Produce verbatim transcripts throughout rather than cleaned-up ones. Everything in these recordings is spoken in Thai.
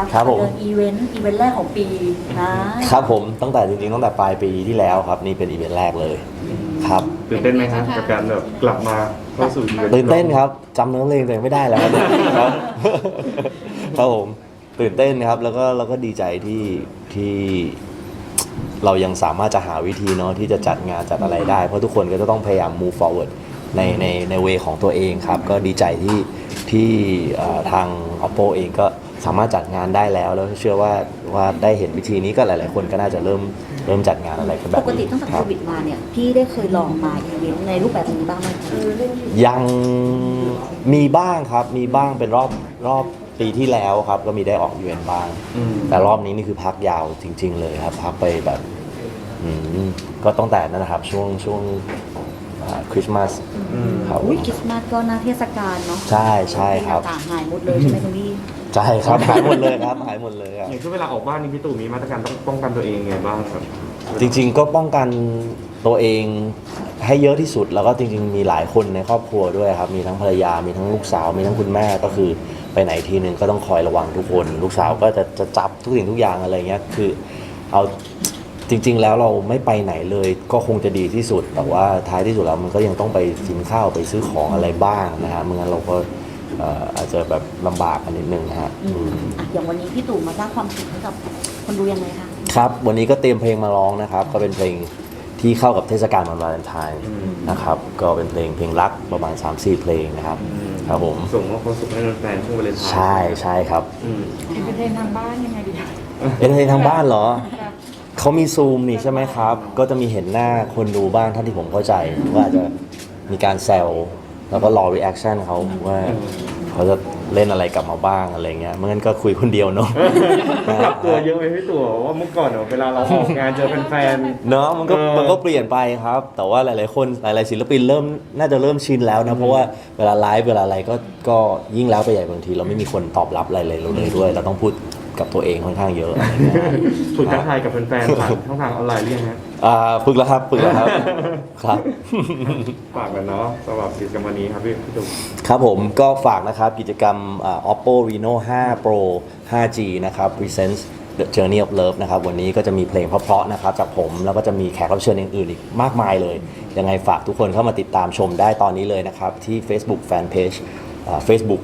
ครับผมเดินอีเวนต์อีเวนต์แรกของปีนะครับผมตั้งแต่จริงๆตั้งแต่ปลายปีที่แล้วครับนี่เป็นอีเวนต์แรกเลยครับตื่นเต้นไหมครับกับการแบบกลับมาเข้าสู่อีเวนต์ตื่นเต้นครับจำเนื้อเพลงตัวเองไม่ได้แล้วครับครับครับผมตื่นเต้นครับแล้วก็แล้วก็ดีใจที่ที่เรายังสามารถจะหาวิธีเนาะที่จะจัดงานจัดอะไรได้เพราะทุกคนก็จะต้องพยายาม move forward ในในในเวของตัวเองครับก็ดีใจที่ที่เอ่อทาง Oppo เองก็สามารถจัดงานได้แล้วแล้วเชื่อว่าว่าได้เห็นวิธีนี้ก็หลาย ๆ คนก็น่าจะเริ่มเริ่มจัดงานอะไรกันแบบปนี้กติตั้งแต่คโครับ วิดมาเนี่ยพี่ได้เคยลองมาอีเวนต์ในรูปแบบนี้บ้างไหมคะยังมีบ้างครับมีบ้างเป็นรอบรอบปีที่แล้วครับก็มีได้ออกอีเวนต์บ้างอืมแต่รอบนี้นี่คือพักยาวจริง ๆ เลยครับพักไปแบบอืมก็ตั้งแต่นั้นนะครับช่วงช่วงคริสต์มาสครับอุ้ยคริสต์มาสก็หน้าเทศกาลเนาะใช่ใช่ครับต่างหายหมดเลยใช่ไหมคุณพี่ใช่ครับหายหมดเลยครับหายหมดเลยครับอย่างช่วงเวลาออกบ้านนี่พี่ตู่มีมาตรการต้องป้องกันตัวเองยังไงบ้างครับจริงๆก็ป้องกันตัวเองให้เยอะที่สุดแล้วก็จริงๆมีหลายคนในครอบครัวด้วยครับมีทั้งภรรยา มีทั้งลูกสาวมีทั้งคุณแม่ก็คือไปไหนทีนึงก็ต้องคอยระวังทุกคน ลูกสาวก็จะจะจับทุกสิ่งทุกอย่างอะไรเงี้ยคือเอาจริง ๆ แล้วเราไม่ไปไหนเลยก็คงจะดีที่สุดแต่ว่าท้ายที่สุดแล้วมันก็ยังต้องไปกินข้าวไปซื้อของอะไรบ้างนะฮะไม่งั้นเราก็เอ่ออาจจะแบบลำบากกันนิดนึงนะฮะอืมอ่ะอย่างวันนี้พี่ตู่มาสร้างความสุขให้กับคนดูยังไงคะครับวันนี้ก็เตรียมเพลงมาร้องนะครับก็เป็นเพลงที่เข้ากับเทศกาลวันวาเลนไทน์นะครับก็เป็นเพลงเพลงรักประมาณ สามสี่ เพลงนะครับครับผมส่งมอบความสุขให้แฟนๆช่วงวาเลนไทน์ใช่ใช่ครับอืมเห็นเป็นเพลงทางบ้านยังไงดีคะเป็นเพลงทางบ้านเหรอแบบเขามีซูมนี่ใช่ไหมครับ ก็จะมีเห็นหน้าคนดูบ้างเท่าที่ผมเข้าใจว่าอาจจะมีการแซวแล้วก็รอรีแอคชั่นเขาว่าเขาจะเล่นอะไรกลับมาบ้างอะไรเงี้ยไม่งั้นก็คุยคนเดียวเนาะต้องปรับตัวเยอะไหมพี่ตู่ว่าเมื่อก่อนเนี่ยเวลาเราออกงานเจอแฟนเนาะมันก็เออมันก็เปลี่ยนไปครับ แต่ว่าหลาย ๆ คนหลาย ๆ ศิลปินเริ่มน่าจะเริ่มชินแล้วนะเพราะว่าเวลาไลฟ์เวลาอะไรก็ก็ยิ่งแล้วไปใหญ่บางทีเราไม่มีคนตอบรับอะไรเลยเราเลยด้วย เราต้องพูดกับตัวเองค่อนข้างเยอะอะไรเงี้ยๆฝึกทักทายกับแฟนๆผ่านช่องทางออนไลน์หรือยังฮะอ่าฝึกแล้วครับฝึกแล้วครับครับฝากกันเนาะสำหรับกิจกรรมวันนี้ครับพี่พี่ตู่ครับผมก็ฝากนะครับกิจกรรมอ่า Oppo Reno ไฟว์ Pro ไฟว์จี นะครับ Presents The Journey of Love นะครับวันนี้ก็จะมีเพลงเพราะๆนะครับจากผมแล้วก็จะมีแขกรับเชิญอื่นๆอีกมากมายเลย ยังไงฝากทุกคนเข้ามาติดตามชมได้ตอนนี้เลยนะครับ ที่ Facebook Fanpage อ่า Facebook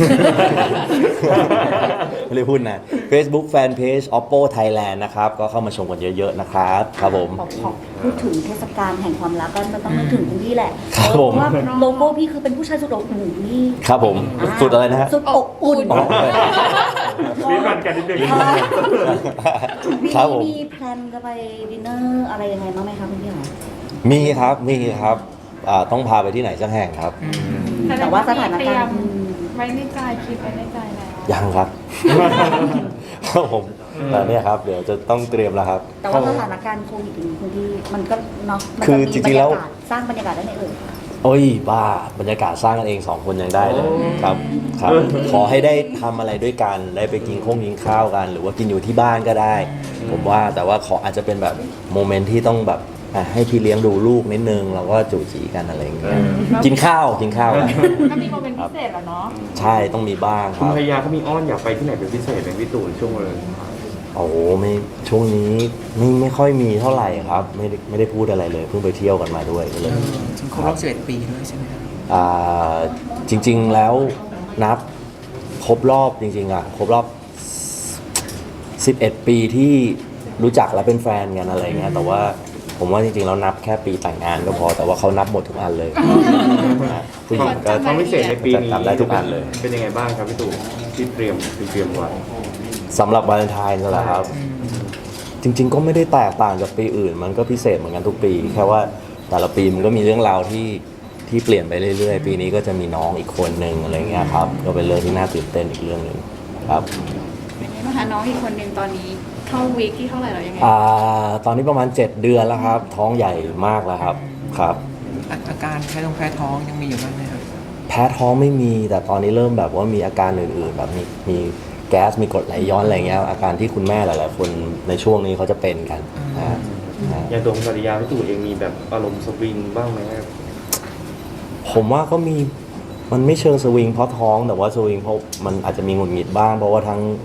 ไม่ได้พูดนะ Facebook Fanpage Oppo Thailand นะครับก็เข้ามาชมกันเยอะ ๆ นะครับครับผมบอกขอพูดถึงเทศกาลแห่งความรักก็ต้องนึกถึงคุณพี่แหละครับผมเพราะว่าโลโก้พี่คือเป็นผู้ชายสุดอบอุ่นนี่ครับผมสุดอะไรนะฮะสุดอบอุ่นอ๋อมีกันกันนิดนึงมีครับผมมีแพลนจะไปดินเนอร์อะไรยังไงบ้างไหมคะคุณพี่หรอมีครับมีครับอ่าต้องพาไปที่ไหนสักแห่งครับแต่ว่าสถานการณ์ไว้ในใจคิดไว้ในใจแล้วยังครับ ครับผมแต่เนี่ยครับเดี๋ยวจะต้องเตรียมแล้วครับแต่ว่าสถานการณ์โควิดอย่างนี้คุณพี่มันก็เนาะมันคือจะมีจริงๆแล้วบยากาศสร้างบรรยากาศได้ไหมเอ่ยโอ้ยบ้าบรรยากาศสร้างกันเองสองคนยังได้เลยโอ้ครับครับ ขอให้ได้ทำอะไรด้วยกันได้ไปกินข้งกินข้าวกัน หรือว่ากินอยู่ที่บ้านก็ได้ ผมว่าแต่ว่าขออาจจะเป็นแบบโมเมนต์ที่ต้องแบบอ่ะให้พี่เลี้ยงดูลูกนิดนึงแล้วก็จูจีกันอะไรอย่างเงี้ยกินข้าวกินข้าวกันก็มีโมเมนต์พิเศษแล้วเนาะใช่ต้องมีบ้างคคุณรับภรรยาเขามีอ้อนอยากไปที่ไหนเป็นพิเศษเป็นพี่ตู่ช่วงวาเลนไทน์โอ้โหไม่ช่วงนี้ไม่ไม่ค่อยมีเท่าไหร่ครับไม่ได้ไม่ได้พูดอะไรเลยเพิ่งไปเที่ยวกันมาด้วยก็เลยถึงครบรอบสิบเอ็ดปีด้วยใช่ไหมครับอ่าจริงๆแล้วนับครบรอบจริงๆอ่ะครบรอบสิบเอ็ดปีที่รู้จักและเป็นแฟนกันอะไรเงี้ยแต่ว่าผมว่าจริงๆแล้วนับแค่ปีแต่งงานก็พอแต่ว่าเขานับหมดทุกอันเลยนะผู้หญิงก็ความพิเศษในปีนี้จำได้ทุกอันเลยเป็นยังไงบ้างครับพี่ตู่ที่เตรียมที่เตรียมไว้สำหรับวาเลนไทน์นั่นแหละครับ จริง ๆ ก็ไม่ได้แตกต่างจากปีอื่น มันก็พิเศษเหมือนกันทุกปี แค่ว่าแต่ละปีมันก็มีเรื่องราวที่ที่เปลี่ยนไปเรื่อยๆ ปีนี้ก็จะมีน้องอีกคนหนึ่งอะไรเงี้ยครับก็เป็นเรื่องที่น่าตื่นเต้นอีกเรื่องหนึ่งครับเป็นไงบ้างคะน้องอีกคนหนึ่งตอนนี้เข้าวีคที่เท่าไหร่แล้วยังไงอ่าตอนนี้ประมาณเจ็ดเดือนแล้วครับ ท้องใหญ่มากแล้วครับครับอาอาการแพ้ท้องแพ้ท้องยังมีอยู่บ้างไหมครับแพ้ท้องไม่มีแต่ตอนนี้เริ่มแบบว่ามีอาการอื่นๆ แบบมีมีแก๊สมีกรดไหลย้อนอะไรเงี้ยอาการที่คุณแม่หลายๆ คนในช่วงนี้เขาจะเป็นกันนะฮะนะฮะอย่างตัวคุณภรรยาพี่ตู่เองมีแบบอารมณ์สวิงบ้างไหมครับผมว่าก็มีมันไม่เชิงสวิงเพราะท้องแต่ว่าสวิงเพราะมันอาจจะมีหงุดหงิดบ้างเพราะว่าทั้ง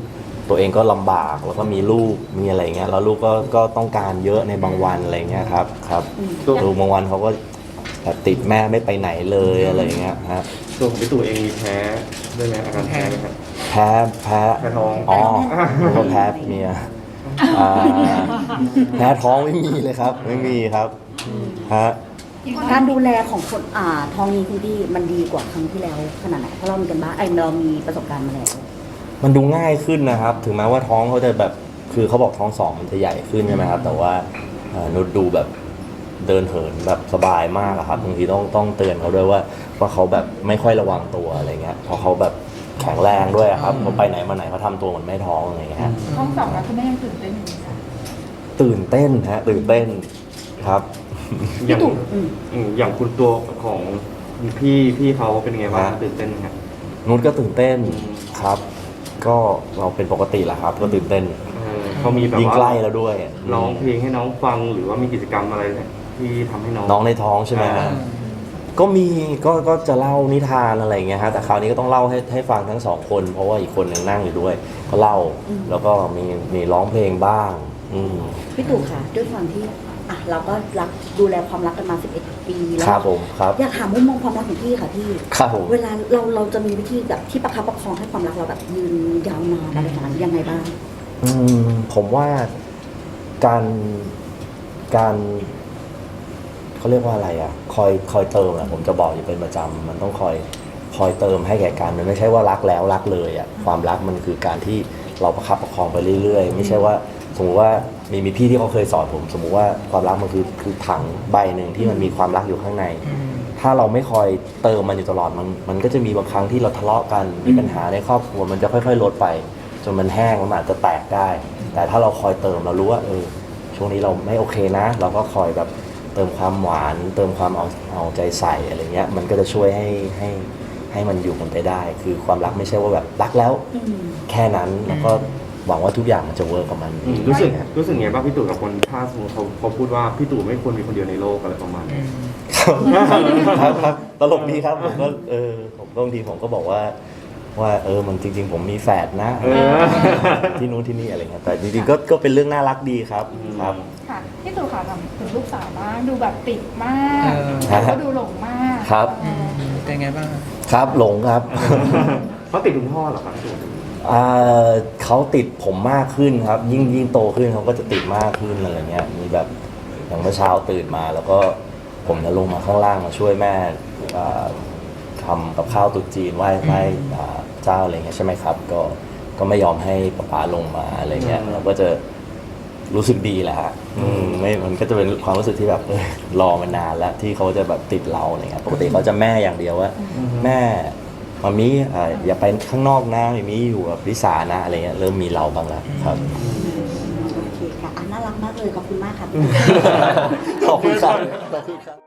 ตัวเองก็ลำบากแล้วก็มีลูกมีอะไรเงี้ยแล้วลูกก็ก็ต้องการเยอะในบางวันอะไรเงี้ยครับครับลูกบางวันเขาก็แบบติดแม่ไม่ไปไหนเลยอะไรเงี้ยฮะตัวของพี่ตู่เองมีแพ้ด้วยไหมอาการแพ้ไหมครับแพ้แพ้แพ้ท้องอ๋อผมก็แพ้เมียอ่าแพ้ท้องไม่มีเลยครับ ไม่มีครับฮะการดูแลของคนอ่าทองนี้คุณพี่มันดีกว่าครั้งที่แล้วขนาดไหนเพราะเรามีกันบ้างไอ้เรามีประสบการณ์มาแล้วมันดูง่ายขึ้นนะครับ ถึงแม้ว่าท้องเขาจะแบบคือเขาบอกท้องสองมันจะใหญ่ขึ้นใช่ไหมครับ แต่ว่าเอ่อนุชดูแบบเดินเหินแบบสบายมากอะครับบางทีต้องต้องเตือนเขาด้วยว่าว่าเขาแบบไม่ค่อยระวังตัวอะไรเงี้ยเพราะเขาแบบแข็งแรงด้วยอะครับเขาไปไหนมาไหนเขาทำตัวเหมือนไม่ท้องอะไรเงี้ยฮะท้องสองแล้วคุณแม่ยังตื่นเต้นอยู่ไหมคะตื่นเต้นฮะตื่นเต้นครับอย่างอืมอืมอย่างคุณตัวของพี่พี่เขาเป็นยังไงบ้างฮะตื่นเต้นไหมครับนุชก็ตื่นเต้นอืมครับ ก็เราเป็นปกติแหละครับ ก็ตื่นเต้นเออเขามีแบบยิ่งว่าใกล้แล้วด้วยร้องเพลงให้น้องฟังหรือว่ามีกิจกรรมอะไรที่ทำให้น้องน้องในท้องใช่ไหมฮะอ่าก็มีก็ก็จะเล่านิทานอะไรอย่างเงี้ยฮะแต่คราวนี้ก็ต้องเล่าให้ให้ฟังทั้งสองคน เพราะว่าอีกคนหนึ่งนั่งอยู่ด้วย ก็เล่าแล้วก็มีมีร้องเพลงบ้าง อืมพี่ตู่ค่ะด้วยความที่อ่ะเราก็รักดูแลความรักกันมาสิบเอ็ดปีแล้ครับวผมครับอยากถามมุมมองความรักของพี่ค่ะพี่ครับผมเวลาเราเราจะมีวิธีแบบที่ประคับประคองให้ความรักเราแบบยืนยาวนานอะไรอย่างนั้นยังไงบ้างอืมผมว่าการการเขาเรียกว่าอะไรอ่ะ คอยคอยเติมอ่ะผมจะบอกอยู่เป็นประจำมันต้องคอยคอยเติมให้แก่กันมันไม่ใช่ว่ารักแล้วรักเลยอ่ะความรักมันคือการที่เราประคับประคองไปเรื่อยๆ ไม่ใช่ว่าสมมติว่ามีมีพี่ที่เขาเคยสอนผม สมมุติว่าความรักมันคือคือถังใบหนึ่งที่มันมีความรักอยู่ข้างใน ถ้าเราไม่คอยเติมมันอยู่ตลอดมันมันก็จะมีบางครั้งที่เราทะเลาะกันมีปัญหาในครอบครัวมันจะค่อยๆลดไป จนมันแห้งมันอาจจะแตกได้ แต่ถ้าเราคอยเติมเรารู้ว่าเออช่วงนี้เราไม่โอเคนะ เราก็คอยแบบเติมความหวาน เติมความเอาเอาใจใส่อะไรเงี้ยมันก็จะช่วยให้ให้ให้มันอยู่กันไปได้ คือความรักไม่ใช่ว่าแบบรักแล้วอืมแค่นั้นแล้วก็หวังว่าทุกอย่างมันจะเวิร์กกับมันอืมรู้สึกรู้สึกไงบ้างพี่ตู่กับคนถ้าสมมติเขาเขาพูดว่าพี่ตู่ไม่ควรมีคนเดียวในโลกอะไรประมาณนี้ครับครับตลกดีครับผมก็เออผมก็บางทีผมก็บอกว่าว่าเออมันจริง ๆ ผมมีแฝดนะเออที่นู้นที่นี่อะไรเงี้ยแต่จริงๆก็ก็เป็นเรื่องน่ารักดีครับครับค่ะพี่ตู่ค่ะทำถึงลูกสาวบ้างดูแบบติดมากเออแล้วก็ดูหลงมากครับเออเป็นไงบ้างครับครับหลงครับเขาติดคุณพ่อเหรอครับพี่ตู่อ่าเขาติดผมมากขึ้นครับ ยิ่งยิ่งโตขึ้นเขาก็จะติดมากขึ้นอะไรเงี้ยมีแบบอย่างเมื่อเช้าตื่นมา แล้วก็ผมจะลงมาข้างล่างมาช่วยแม่อ่าทำกับข้าวตุ๊จีนไหว้ไหว้อ่าเจ้าอะไรเงี้ยใช่ไหมครับ ก็ก็ไม่ยอมให้ป๊าป๊าลงมาอะไรเงี้ยเราก็จะรู้สึกดีแหละฮะอืมไม่มันก็จะเป็นความรู้สึกที่แบบเออรอมานานแล้วที่เขาจะแบบติดเราอะไรเงี้ยปกติเขาจะแม่อย่างเดียวว่า แม่มามีอ่าอย่าไปข้างนอกนะมามีอยู่กับลิสานะอะไรเงี้ยเริ่มมีเราบ้างแล้วครับโอเคค่ะอ่ะน่ารักมากเลยขอบคุณมากค่ะขอบคุณครับขอบคุณครับ